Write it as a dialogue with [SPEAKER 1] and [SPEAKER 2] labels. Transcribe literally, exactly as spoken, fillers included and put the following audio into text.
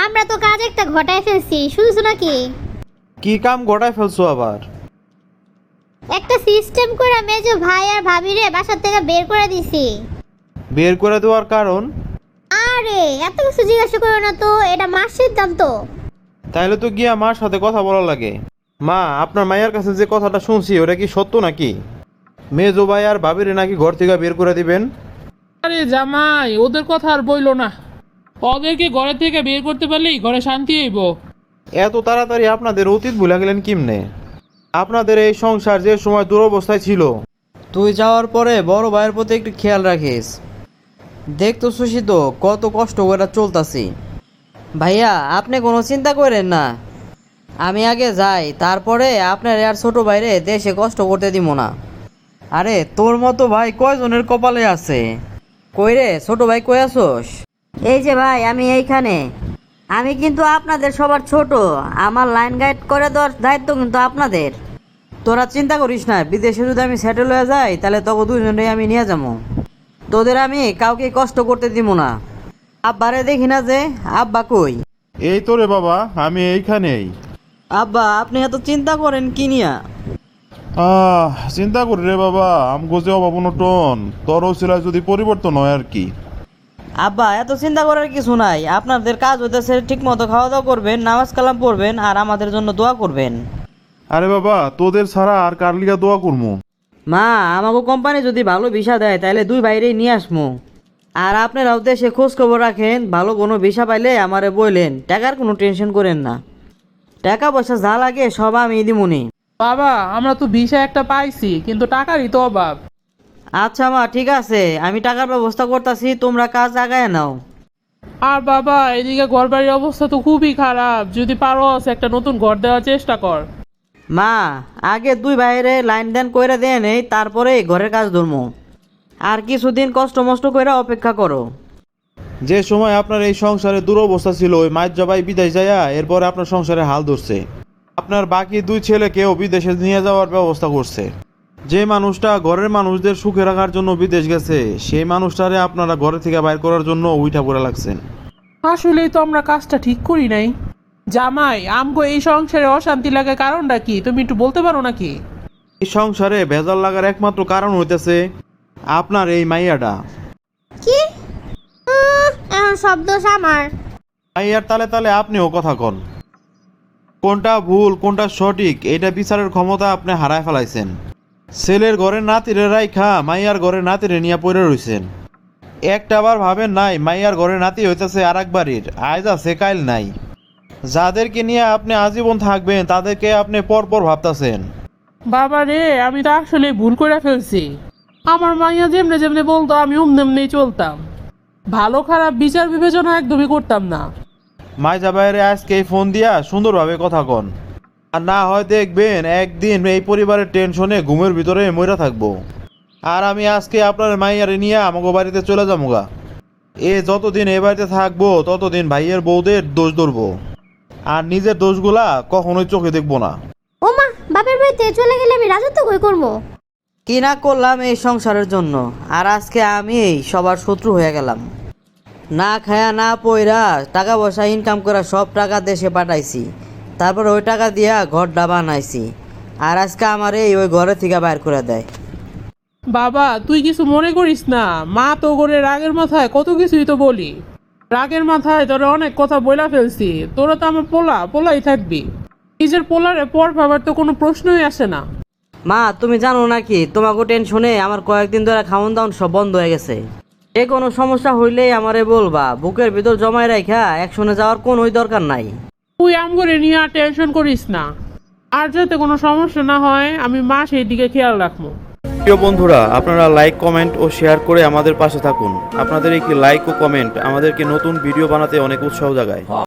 [SPEAKER 1] আমরা তো কাজ একটা ঘটায় ফেলছি, শুনছো নাকি?
[SPEAKER 2] কি কাম ঘটায় ফেলছো আবার?
[SPEAKER 1] একটা সিস্টেম করে মেজো ভাই আর ভাবিরে বাসা থেকে বের করে দিছি।
[SPEAKER 2] বের করে দেওয়ার কারণ?
[SPEAKER 1] আরে এত কিছু জিজ্ঞাসা করো না তো, এটা মার সিদ্ধান্ত।
[SPEAKER 2] তাইলে তো গিয়া মার সাথে কথা বলা লাগে। মা, আপনার মায়ের কাছে যে কথাটা শুনছি ওটা কি সত্য নাকি? মেজো ভাই আর ভাবিরে নাকি ঘর থেকে বের করে দিবেন?
[SPEAKER 3] আরে জামাই, ওদের কথা আর বইলো না। ওদেরকে ঘরে থেকে বের করতে পারলেই ঘরে শান্তি হইব।
[SPEAKER 2] এত তাড়াতাড়ি আপনাদের অতীত ভুলে গেলেন কিমনে? আপনাদের এই সংসার যে সময় দুরবস্থায় ছিল।
[SPEAKER 4] তুই যাওয়ার পরে বড় ভাইয়ের প্রতি একটু খেয়াল রাখিস। দেখতেছি তো কত কষ্ট করে চলতাছি। ভাইয়া, আপনি কোনো চিন্তা করেন না, আমি আগে যাই, তারপরে আপনার আর ছোট ভাইরে দেশে কষ্ট করতে দিব না। আরে তোর মতো ভাই কয়জনের কপালে আছে? কই রে ছোট ভাই, কই আসোস?
[SPEAKER 5] এই যে ভাই, আমি এইখানে। আমি কিন্তু আপনাদের সবার ছোট, আমার লাইন গাইড করে দেওয়ার দায়িত্ব কিন্তু আপনাদের।
[SPEAKER 4] তোরা চিন্তা করিস না, বিদেশে যদি আমি সেটেল হয়ে যাই তাহলে তোকে দুজনেই আমি নিয়ে যাবো। তোদের আমি কাউকে কষ্ট করতে দিব না। আব্বারে দেখি না যে, আব্বা কই?
[SPEAKER 2] এই তো রে বাবা, আমি এইখানেই।
[SPEAKER 4] আব্বা, আপনি এত চিন্তা করেন কি নিয়া?
[SPEAKER 6] আহ চিন্তা করি রে বাবা, আমগো যে অভাব অনটন তোর ওসিলায় যদি পরিবর্তন হয় আর কি।
[SPEAKER 4] আব্বা, এত চিন্তা করার কিছু নাই। আপনাদের কাজ হইতেছে ঠিক মতো খাওয়া দাওয়া করবেন, নামাজ কালাম পড়বেন আর আমাদের জন্য দোয়া করবেন।
[SPEAKER 6] আরে বাবা, তোদের ছাড়া আর কার লিগা দোয়া করবো?
[SPEAKER 4] মা, আমাকে কোম্পানি যদি ভালো ভিসা দেয় তাহলে দুই বাইরেই নিয়ে আসমু। আর আপনারাও দেশে খোঁজ খবর রাখেন, ভালো কোনো ভিসা পাইলে আমারে বললেন, টাকার কোনো টেনশন করেন না। টাকা পয়সা যা লাগে সব আমি দিমুনি।
[SPEAKER 3] বাবা, আমরা তো ভিসা একটা পাইছি, কিন্তু টাকারই তো অভাব।
[SPEAKER 4] আচ্ছা মা, ঠিক আছে, আমি টাকার ব্যবস্থা করতেছি, তোমরা কাজ আগায় নাও।
[SPEAKER 3] আর বাবা, এদিকে ঘর বাড়ির অবস্থা তো খুবই খারাপ, যদি পারোস একটা নতুন ঘর দেওয়ার চেষ্টা কর।
[SPEAKER 4] মা, আগে দুই বাইরে লাইন দেন কইরা দেন, এই তারপরে ঘরের কাজ ধরমু। আর কিছুদিন কষ্ট মষ্ট কইরা অপেক্ষা করো।
[SPEAKER 2] যে সময় আপনার এই সংসারে দুরবস্থা ছিল, ওই মায়ের জবাই বিদেশ যাইয়া এরপরে আপনার সংসারে হাল ধরছে। আপনার বাকি দুই ছেলেকেও বিদেশে নিয়ে যাওয়ার ব্যবস্থা করছে। যে মানুষটা ঘরের মানুষদের সুখে রাখার জন্য বিদেশ গেছে, সেই মানুষটারে আপনারা ঘরে থেকে বাইর করার জন্য উইঠা পড়ে লাগছেন।
[SPEAKER 3] আসলেই তো আমরা কাজটা ঠিক করি নাই। জামাই, আমগো এই সংসারে অশান্তি লাগার কারণটা কি তুমি একটু বলতে পারো নাকি?
[SPEAKER 2] এই সংসারে ভেজাল লাগার একমাত্র কারণ হইতেছে আপনার এই মাইয়াটা।
[SPEAKER 1] কি? উম, এখন সব দোষ আমার।
[SPEAKER 2] মাইয়ার তালে তালে আপনিও কথা কন। কোনটা ভুল কোনটা সঠিক এটা বিচারের ক্ষমতা আপনি হারায় ফেলাইছেন। ছেলের ঘরে নাতিরে রাইখা মাইয়ার ঘরে নাতিরে নিয়ে পড়ে রইছেন। একটা বার ভাবেন নাই মাইয়ার ঘরে নাতি হইতেছে আর এক বাড়ির, আজ আছে কাইল নাই। যাদেরকে নিয়ে আপনি আজীবন থাকবেন তাদেরকে আপনি পরপর ভাবতেছেন।
[SPEAKER 3] বাবা রে, আমি তো আসলে ভুল করে ফেলছি। আমার মাইয়া যেমনে যেমনে বলতো আমি অমনি চলতাম। ভালো খারাপ বিচার বিবেচনা একদমই করতাম না।
[SPEAKER 2] মাইজা বাইরে আজকে ফোন দিয়া সুন্দরভাবে কথা কন, আর না হয় দেখবেন একদিন এই পরিবারের টেনশনে ঘুমের ভিতরে মইরা থাকবো। আর আমি আজকে আপনার মাইয়ারে নিয়ে আমাকে বাড়িতে চলে যাবো গা। এ যতদিন এ বাড়িতে থাকবো ততদিন ভাইয়ের বউদের দোষ ধরবো, আর নিজের দোষগুলা কখনোই চোখে দেখবো না।
[SPEAKER 1] ও মা, বাপের বাড়িতে চলে গেলে আমি রাজত্ব কই করবো?
[SPEAKER 4] কি না করলাম এই সংসারের জন্য, আর আজকে আমি এই সবার শত্রু হয়ে গেলাম। না খায়া না পয়রা টাকা পয়সা ইনকাম করা সব টাকা দেশে পাঠাইছি, তারপর ওই টাকা দিয়া ঘরটা বানাইছি, আর আজকে আমার এই ওই ঘরে থেকে বাইর করে দেয়।
[SPEAKER 3] বাবা, তুই কিছু মনে করিস না। মা তো করে রাগের মাথায় কত কিছুই তো বলি। রাগের মাথায় তোরা অনেক কথা বইলা ফেলছি। তোরা তো আমার পোলা পোলাই থাকবি। নিজের পোলারে পর ভাবার তো কোনো প্রশ্নই আসে না।
[SPEAKER 4] মা, তুমি জানো নাকি তোমাকে টেনশনে আমার কয়েকদিন ধরে খাওয়ান দাওয়ান সব বন্ধ হয়ে গেছে। যে কোনো সমস্যা হইলেই আমারে বলবা, বুকের ভিতর জমায় রাখা একশনে যাওয়ার কোনোই দরকার নাই।
[SPEAKER 3] তুই আম করে নিয়ে আর টেনশন করিস না। আর যাতে কোনো সমস্যা না হয় আমি মা সেই দিকে খেয়াল রাখবো।
[SPEAKER 2] প্রিয় বন্ধুরা, আপনারা লাইক কমেন্ট ও শেয়ার করে আমাদের পাশে থাকুন। আপনাদের একটি লাইক ও কমেন্ট আমাদেরকে নতুন ভিডিও বানাতে অনেক উৎসাহ জাগায়।